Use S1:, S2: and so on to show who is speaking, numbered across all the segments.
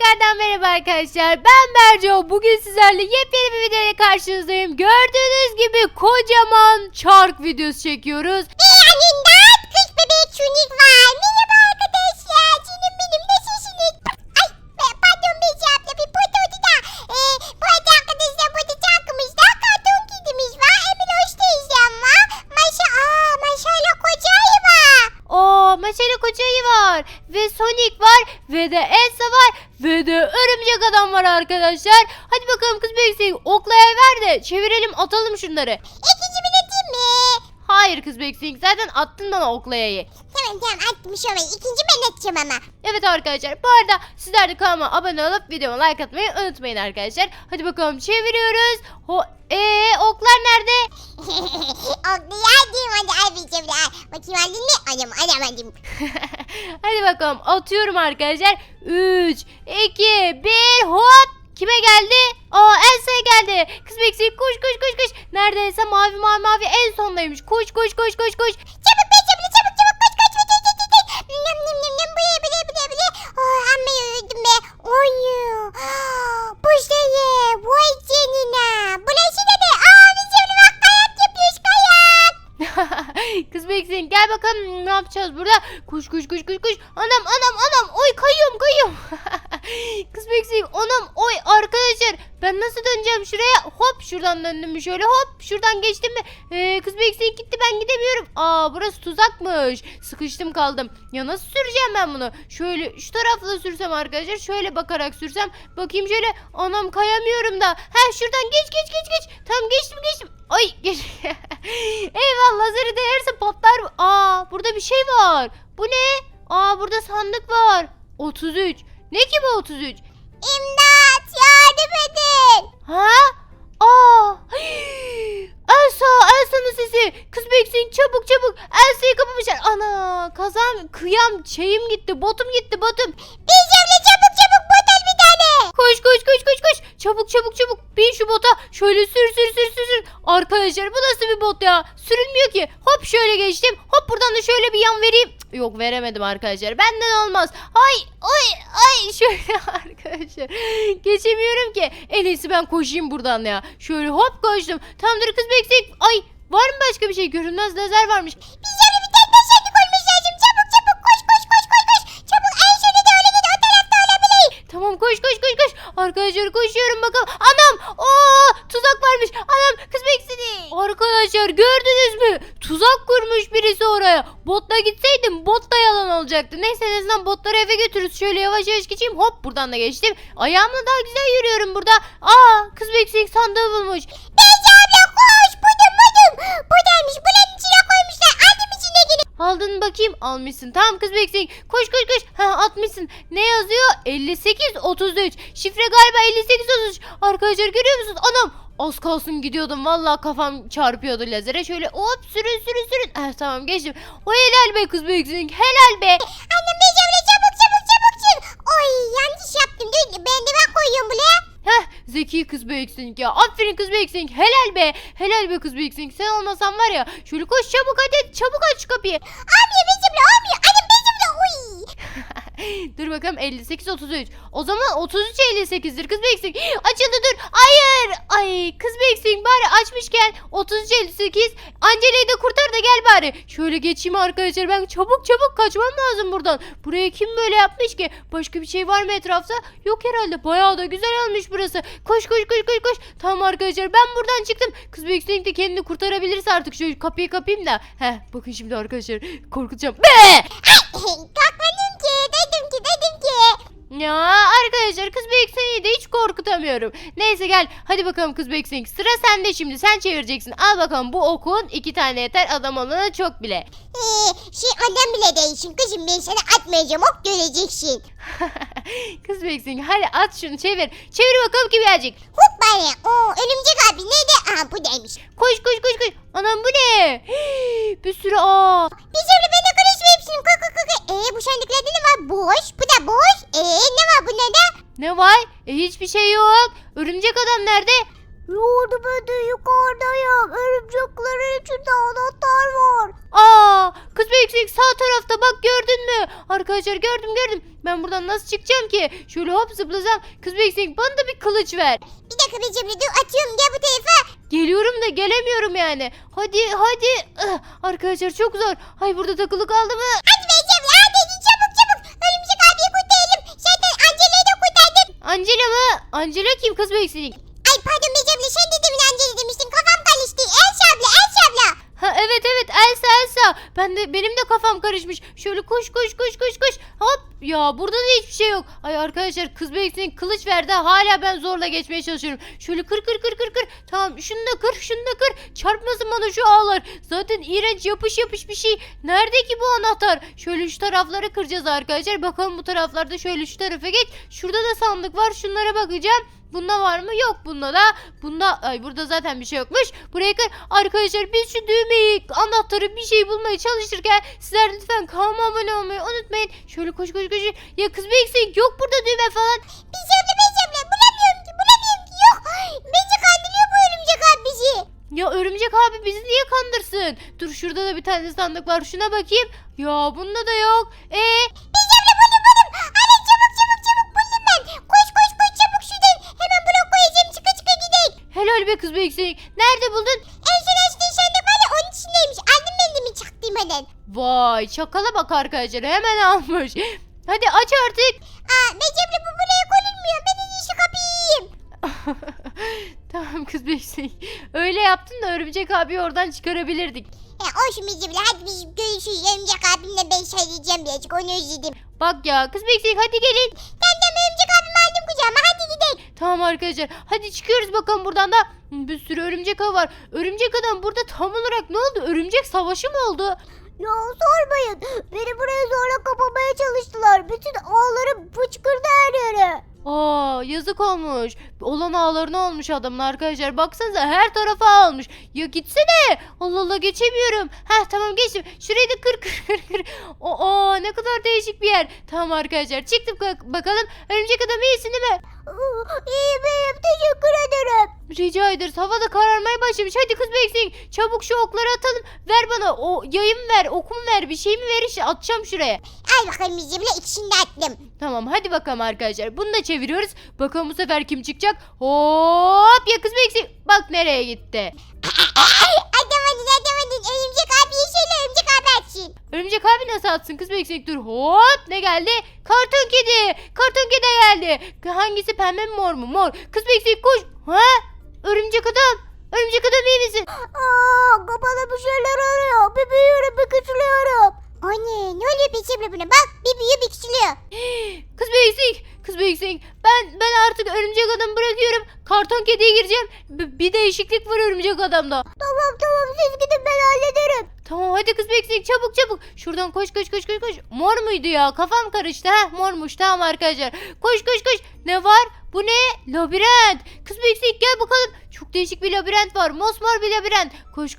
S1: tekrardan merhaba arkadaşlar. Ben Berco. Bugün sizlerle yepyeni bir videoyla karşınızdayım. Gördüğünüz gibi kocaman çark videosu çekiyoruz.
S2: Annemden kız bebek Sonic var. Merhaba arkadaşlar. Canım benim nasılsınız? Ay pardon Beyci abla bir potodu da. Bu arada arkadaşlar burada çarkımızda karton kedimiz var. Emir hoş teyzem var. Maşallah koca ayı var.
S1: Meşale Koca Ayı var. Ve Sonic var. Ve de Elsa var. Ve de Örümcek Adam var arkadaşlar. Hadi bakalım kız Beksik. Oklayı ver de çevirelim, atalım şunları.
S2: İkinci atayım mı?
S1: Hayır kız Beksik. Zaten attın bana oklayayı.
S2: Tamam atmış orayı. İkinci ben atacağım ama.
S1: Evet arkadaşlar, bu arada sizler de kanalıma abone olup videoma like atmayı unutmayın arkadaşlar. Hadi bakalım çeviriyoruz. Oklar nerede?
S2: Oklayayım hadi albicim de. Bakayım aldın mı? Alamadım.
S1: Hadi bakalım atıyorum arkadaşlar. 3, 2, 1 hop. Kime geldi? Elsa'ya geldi. Kız Beksik koş. Nerede Elsa? Mavi en sondaymış. Koş.
S2: Çabuk be çabuk koş. Nem bile. Amma yoruldum be. Oyu. Buz dayı. Vay canına. Bu nasıl da be? Biz şimdi bak kayak yapıyoruz kayak.
S1: Kız Beksik gel bakalım ne yapacağız burada? Koş. Anam. Oy kayıyorum. Kız Beksik anam oy arkadaşlar. Ben nasıl döneceğim şuraya? Hop şuradan döndüm mü şöyle, hop şuradan geçtim mi? Kız Beksik gitti, ben gidemiyorum. Burası tuzakmış. Sıkıştım kaldım. Ya nasıl süreceğim ben bunu? Şöyle şu tarafla sürsem arkadaşlar, şöyle bakarak sürsem. Bakayım şöyle, anam kayamıyorum da. Şuradan geç. Tamam geçtim. Ay geç. Eyvallah, lazeri değerse patlar. Burada bir şey var. Bu ne? Burada sandık var. 33. Ne ki bu 33?
S2: İmdat yardım edin.
S1: Elsa'nın sesi. Kız Beksik çabuk. Elsa'yı kapamışlar. Ana kazam kıyam şeyim gitti. Botum gitti.
S2: Bizimle çabuk botol bir tane.
S1: Koş. Çabuk. Bin şu bota. Şöyle sür. Arkadaşlar bu nasıl bir bot ya? Sürülmüyor ki. Hop şöyle geçtim. Hop buradan da şöyle bir yan vereyim. Yok veremedim arkadaşlar. Benden olmaz. Ay şöyle arkadaşlar. Geçemiyorum ki. En iyisi ben koşayım buradan ya. Şöyle hop koştum. Tamamdır kız Beksik. Ay var mı başka bir şey? Görünmez lazer varmış.
S2: Bizimle bir tane taşındık olmuş lazım. Çabuk koş. Çabuk en sonunda da öyle git o tarafta olabilir.
S1: Tamam koş. Arkadaşlar koşuyorum bakalım. Anam tuzak varmış. Anam kız Beksik. Arkadaşlar gördünüz mü? Tuzak kurmuş birisi oraya. Botla gitseydim bot da yalan olacaktı. Neyse en azından botları eve götürürüz. Şöyle yavaş geçeyim. Hop buradan da geçtim. Ayağımla daha güzel yürüyorum burada. Kız Beksik sandığı bulmuş.
S2: Beyci abla koş. Buldum. Buradaymış. Bunun içine koymuşlar. Aldım içindekini.
S1: Aldın mı bakayım? Almışsın. Tamam kız Beksik. Koş. Atmışsın. Ne yazıyor? 58-33. Şifre galiba 58-33. Arkadaşlar görüyor musunuz? Anam. Az kalsın gidiyordum. Vallahi kafam çarpıyordu lazere. Şöyle hop sürün. Tamam geçtim. O helal be kız Beksik. Helal be.
S2: Annem Beyci abla çabuk sür. Oy yanlış yaptım. Dur ben de koyuyorum buraya.
S1: Zeki kız Beksik ya. Aferin kız Beksik. Helal be kız Beksik. Sen olmasan var ya. Şöyle koş çabuk hadi. Çabuk aç kapıyı.
S2: Olmuyor Beyci abla olmuyor. Annem Beyci abla uy.
S1: Dur bakalım 58-33. O zaman 33-58'dir kız Beksik. Açıldı dur. Hayır. Ay kız Beksik bari açmışken 33-58. Angela'yı da kurtar da gel bari. Şöyle geçeyim arkadaşlar. Ben çabuk kaçmam lazım buradan. Buraya kim böyle yapmış ki? Başka bir şey var mı etrafta? Yok herhalde. Bayağı da güzel olmuş burası. Koş. Tamam arkadaşlar ben buradan çıktım. Kız Beksik de kendini kurtarabilirse artık şu kapıyı kapayım da. Bakın şimdi arkadaşlar korkutacağım.
S2: Kalkmadım ki. Dedim ki.
S1: Ya arkadaşlar kız Beksik'i de hiç korkutamıyorum. Neyse gel hadi bakalım kız Beksik. Sıra sende şimdi, sen çevireceksin. Al bakalım bu okun 2 tane yeter, adam olana çok bile.
S2: Adam bile değilsin kızım, ben sana atmayacağım, ok göreceksin.
S1: Kız Beksik hadi at şunu, çevir. Çevir bakalım ki birazcık.
S2: Hop bana. Örümcek abi nerede? Buradaymış.
S1: Koş. Anam bu ne? Bir sürü
S2: Bizimle ben de karışma hepsini. Bu sandıklarda ne var? Boş. Bu da boş. Ne var bunlarda?
S1: Ne var? Hiçbir şey yok. Örümcek adam nerede?
S2: Yordu ben de yukarıdayım. Örümceklerin içinde anahtar var.
S1: Aa, kız büyüksek sağ tarafta bak, gördün mü? Arkadaşlar gördüm. Ben buradan nasıl çıkacağım ki? Şöyle hop zıplasam. Kız büyüksek bana da bir kılıç ver.
S2: Bir dakika Becimle dur atıyorum gel bu tarafa.
S1: Geliyorum da gelemiyorum yani. Hadi. Arkadaşlar çok zor. Ay burada takılı kaldı mı?
S2: Hadi Becimle hadi çabuk. Örümcek abiyi kurtaralım. Zaten Angela'yı da kurtardım.
S1: Angela mı? Angela kim kız büyüksek?
S2: Ay pardon Becimle sen de demin Angela demiştin. Kafam karıştı. Elsa abla.
S1: Ha evet Elsa. Benim de kafam karışmış. Şöyle koş. Hop ya, burada da hiçbir şey yok. Ay arkadaşlar, kız büyüksek kılıç verdi. Hala ben zorla geçmeye çalışıyorum. Şöyle kır. Tamam, şunu da kır. Çarpmasın bana şu ağlar. Zaten iğrenç yapış bir şey. Nerede ki bu anahtar? Şöyle şu tarafları kıracağız arkadaşlar. Bakalım bu taraflarda, şöyle şu tarafa geç. Şurada da sandık var. Şunlara bakacağım. Bunda var mı? Yok bunda da. Burada zaten bir şey yokmuş. Buraya kır. Arkadaşlar biz şu düğmeyi, anahtarı, bir şey bulmaya çalışırken sizler lütfen kanalıma abone olmayı unutmayın. Şöyle koş. Ya kız büyüksek yok burada düğme falan.
S2: Becimle bulamıyorum ki yok. Bence kandırıyor bu örümcek abi bizi.
S1: Ya örümcek abi bizi niye kandırsın? Dur, şurada da bir tane sandık var. Şuna bakayım. Ya bunda da yok.
S2: Becimle buldum. Hadi çabuk buldum ben. Koş çabuk şuradan. Hemen blok koyacağım çıka gidelim.
S1: Helal be kız büyüksek. Nerede buldun?
S2: En son açtığın sandık var ya onun içindeymiş. Annem elimi çaktım hemen.
S1: Vay, çakala bak arkadaşlar, hemen almış. Hadi aç artık.
S2: Becimle bu buraya konulmuyor. Ben en iyisi kapıyı yiyeyim.
S1: Tamam kız büyüksek. Öyle yaptın da örümcek abi oradan çıkarabilirdik.
S2: Olsun Becimle hadi biz görüşürüz. Örümcek abimle ben söyleyeceğim birazcık onu özledim.
S1: Bak ya kız büyüksek, hadi gelin.
S2: Tamam örümcek abimi aldım kucağıma hadi gidelim.
S1: Tamam arkadaşlar, hadi çıkıyoruz bakalım buradan da. Bir sürü örümcek ağı var. Örümcek adam burada tam olarak ne oldu? Örümcek savaşı mı oldu?
S2: Ya sormayın. Beni buraya zorla kapamaya çalıştılar. Bütün ağlarım fıçkırdı her yere.
S1: Aa, yazık olmuş. Olan ağlarına olmuş adamın arkadaşlar. Baksanıza her tarafa almış. Ya gitsene. Allah geçemiyorum. Heh tamam, geçtim. Şurayı da kır. Ne kadar değişik bir yer. Tamam arkadaşlar, çıktık bakalım. Örümcek adam iyisin değil mi?
S2: İyiyim teşekkür ederim.
S1: Rica ederiz. Hava da kararmaya başlamış. Hadi kız bekleyin. Çabuk şu okları atalım. Ver bana. O yayımı ver. Okumu ver. Bir şey mi ver işte. Atacağım şuraya.
S2: Al bakalım Becimle ikisini de attım.
S1: Tamam hadi bakalım arkadaşlar. Bunu da çeviriyoruz. Bakalım bu sefer kim çıkacak? Hop ya kız bekleyin. Bak nereye gitti.
S2: Atamadın. Örümcek abiye söyle örümcek abi açsın.
S1: Örümcek abi nasıl atsın kız bekleyin? Dur hop, ne geldi? Karton kedi. Karton kedi geldi. Hangisi, pembe mi mor mu? Mor. Kız bekleyin koş. Ha? Örümcek adam. Örümcek adam iyi misin?
S2: Kafada bir şeyler arıyor. Bir büyüyorum bir küçülüyorum. Anne ne oluyor Becimle buna bak bir büyüyor bir küçülüyor.
S1: Kız büyüksek. Ben artık örümcek adamı bırakıyorum. Karton kediye gireceğim. Bir değişiklik var örümcek adamda.
S2: Tamam siz gidin ben hallederim.
S1: Tamam hadi kız büyüksek, çabuk. Şuradan koş. Mor muydu ya? Kafam karıştı. Mormuş, tamam arkadaşlar. Koş. Ne var? Bu ne? Labirent. Kız büyüksek gel bakalım. Çok değişik bir labirent var. Mosmor bir labirent. Koş.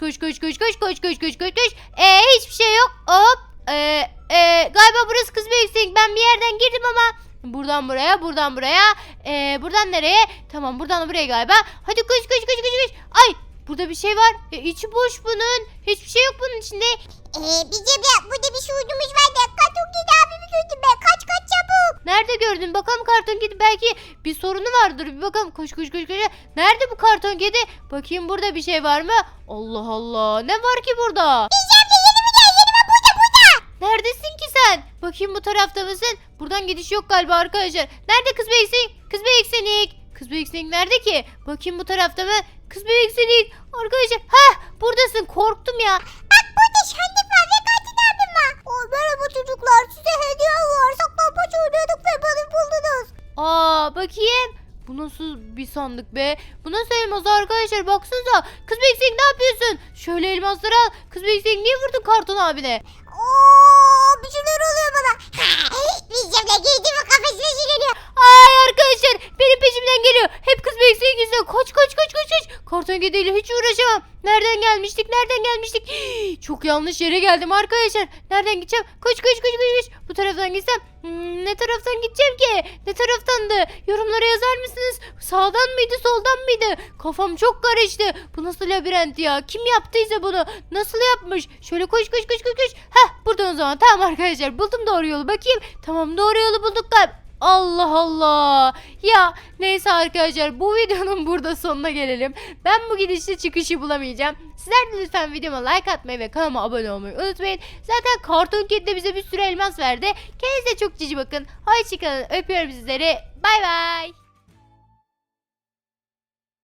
S1: Hiçbir şey yok. Hop. Galiba burası kız büyüksek. Ben bir yerden girdim ama. Buradan buraya. Buradan nereye? Tamam, buradan buraya galiba. Hadi koş. Ay, burada bir şey var. İçi boş bunun. Hiçbir şey yok bunun içinde.
S2: Becimle burada bir şuurdumuz var da karton kedi abimi gördüm ben kaç çabuk.
S1: Nerede gördün? Bakalım karton kedi, belki bir sorunu vardır. Bir bakalım. Koş. Nerede bu karton kedi? Bakayım burada bir şey var mı? Allah. Ne var ki burada?
S2: Becimle yanıma burada.
S1: Neredesin ki sen? Bakayım bu tarafta mısın? Buradan gidiş yok galiba arkadaşlar. Nerede kız büyüksek? Kız büyüksek nerede ki? Bakayım bu tarafta mı? Kız büyüksek. Arkadaşlar. Buradasın. Korktum ya.
S2: Bak burada sandık var ve katil abim var. Merhaba çocuklar size hediye var. Saklambaç oynuyorduk ve bana buldunuz.
S1: Bakayım. Bu nasıl bir sandık be? Bu nasıl elmas arkadaşlar? Baksanıza. Kız büyüksek ne yapıyorsun? Şöyle elmasları al. Kız büyüksek niye vurdun karton abine?
S2: Bir şeyler oluyor bana. Becimle girdi mi kafasına geliyor.
S1: Ay arkadaşlar, benim peşimden geliyor. Hep kız büyüksek yüzünden. Koş. karton kediyle hiç uğraşamam. Nereden gelmiştik? Nereden gelmiştik? Çok yanlış yere geldim arkadaşlar. Nereden gideceğim? Koş koş koş koş koş. Bu taraftan gitsem. Ne taraftan gideceğim ki? Ne taraftandı? Yorumlara yazar mısınız? Sağdan mıydı, soldan mıydı? Kafam çok karıştı. Bu nasıl labirent ya? Kim yaptıysa bunu? Nasıl yapmış? Şöyle koş koş koş koş koş. Heh, buradan o zaman. Tamam arkadaşlar, buldum doğru yolu. Bakayım. Tamam, doğru yolu bulduk galiba. Allah Allah. Ya neyse arkadaşlar, bu videonun burada sonuna gelelim. Ben bu gidişte çıkışı bulamayacağım. Sizler de lütfen videoma like atmayı ve kanalıma abone olmayı unutmayın. Zaten Karton Kedi de bize bir sürü elmas verdi. Kendinize çok cici bakın. Hoşçakalın. Öpüyorum sizleri. Bay bay.